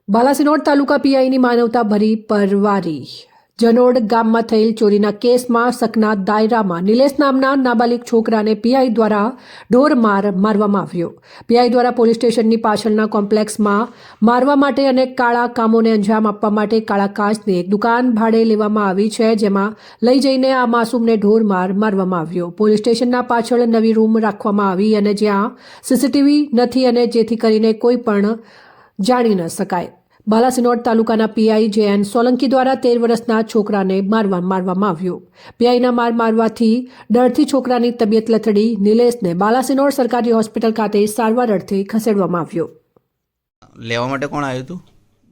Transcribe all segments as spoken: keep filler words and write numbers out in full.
બાલાસિનોડ તાલુકા પીઆઈની માનવતા ભરી પરવારી જનોડ ગામમાં થયેલ ચોરીના કેસમાં શકના દાયરામાં નિલેશ નામના નાબાલિગ છોકરાને પીઆઈ દ્વારા ઢોર માર મારવામાં આવ્યો. પીઆઈ દ્વારા પોલીસ સ્ટેશનની પાછળના કોમ્પ્લેક્સમાં મારવા માટે અને કાળા કામોને અંજામ આપવા માટે કાળા કાચની એક દુકાન ભાડે લેવામાં આવી છે, જેમાં લઈ જઈને આ માસૂમને ઢોર માર મારવામાં આવ્યો. પોલીસ સ્ટેશનના પાછળ નવી રૂમ રાખવામાં આવી અને જ્યાં સીસીટીવી નથી અને જેથી કરીને કોઈ પણ જાણી ન શકાય. બાલાસિનોડ તાલુકાના પીઆઈ જે એન સોલંકી દ્વારા તેર વર્ષના છોકરાને મારવા મારવામાં આવ્યો. પીઆઈના માર મારવાથી ડરથી છોકરાની તબિયત લથડી નિલેશને બાલાસિનોડ સરકારી હોસ્પિટલ ખાતે સારવાર અર્થે ખસેડવામાં આવ્યો. લેવા માટે કોણ આવ્યું હતું?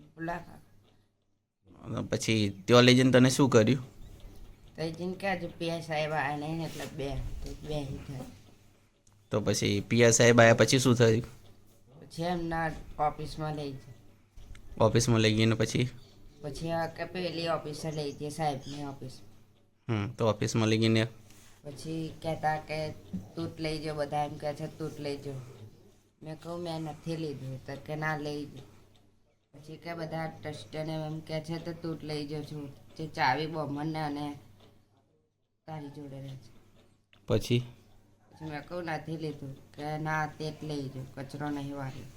બોલા પછી ત્યાં લઈ જઈને તને શું કર્યું? તો જઈને કે આજે પીઆઈ સાહેબ આવ્યા નહીં એટલે બે બે થાય. તો પછી પીઆઈ સાહેબ આવ્યા પછી શું થયું? પછી એમના ઓફિસમાં લઈ જાય. ઓફિસમાં લઈ ગઈને પછી પછી આ કે પેલી ઓફિસે લઈ જઈએ સાહેબની ઓફિસ. હમ તો ઓફિસમાં લઈ ગઈને પછી કહેતા કે તું જ લઈ જાઓ, બધા એમ કહે છે તું જ લઈ જાઓ. મેં કહું મેં નથી લીધું તો કે ના લઈ જાઓ. પછી કે બધા ટ્રસ્ટને એમ કહે છે તો તું જ લઈ જાઉં છું, જે ચાવી બમણને અને તારી જોડે રહે છે. પછી પછી મેં કહું નથી લીધું કે ના તે જ લઈ જાઉં, કચરો નહીં વાળ્યો.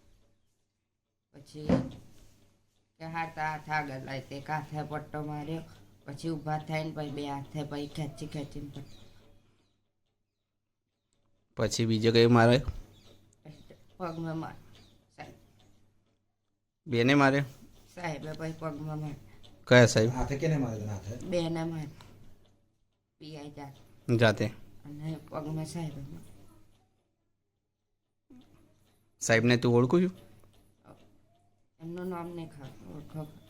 પછી કે હાથ હાથ આગળ લાવી તે હાથે પટ્ટો માર્યો. પછી ઊભા થઈને પછી બે હાથે પછી ખેંચી ખેંચીને પટ્ટો. પછી બીજો કઈ મારે? પગમાં માર સાહેબ બેને મારે? સાહેબે પછી પગમાં માર. કયા સાહેબ? હાથે કેને મારે હાથે? બેને માર પીઆઈ જાત જાતે? અને પગમાં સાહેબે માર. સાહેબને તું ઓળખું છું? એમનું નામ નહીં ખબર ઓળખો.